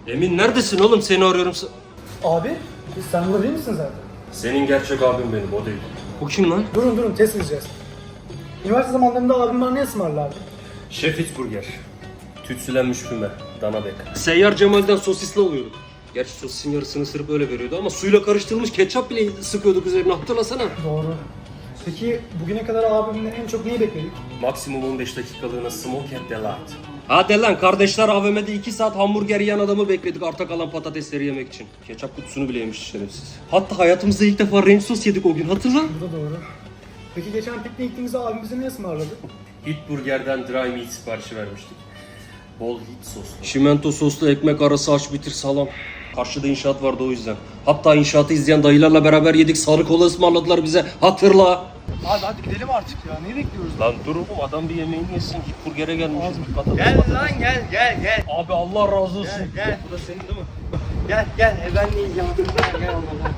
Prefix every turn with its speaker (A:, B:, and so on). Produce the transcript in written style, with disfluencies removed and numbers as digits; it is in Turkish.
A: Emin neredesin oğlum? Seni arıyorum.
B: Abi sen burada değil misin zaten?
A: Senin gerçek abin benim, o değil. Bu kim lan?
B: Durun test edeceğiz. Üniversite zamanlarında abim bana ne ısmarlardı?
A: Şefit Burger. Tütsülenmiş füme, dana bek. Seyyar Cemal'den sosisli alıyorduk. Gerçi sosisin yarısını ısırıp öyle veriyordu ama suyla karıştırılmış ketçap bile sıkıyorduk üzerine, hatırlasana.
B: Doğru. Peki bugüne kadar abimden en çok neyi bekledik?
A: Maksimum 15 dakikalığına smoke and delight. Hadi lan, kardeşler AVM'de 2 saat hamburger yiyen adamı bekledik arta kalan patatesleri yemek için. Ketçap kutusunu bile yemiş şerefsiz. Hatta hayatımızda ilk defa ranch sos yedik o gün, hatırla.
B: Bu da doğru. Peki geçen pikniğe gittiğimizde abim bize ne ısmarladı?
A: Hit Burger'den dry meat siparişi vermiştik. Bol hit soslu. Şimento soslu ekmek arası aç bitir salam. Karşıda inşaat vardı o yüzden. Hatta inşaatı izleyen dayılarla beraber yedik, sarı kola ısmarladılar bize, hatırla.
B: Abi hadi gidelim artık ya. Neyi bekliyoruz?
A: Lan dur oğlum, adam bir yemeğini yesin. Hit Burger'e gelmişiz.
C: Gel lan gel.
A: Abi Allah razı olsun.
C: Gel.
A: Bu da senin değil mi?
C: Gel ben de yiyeceğim. Gel.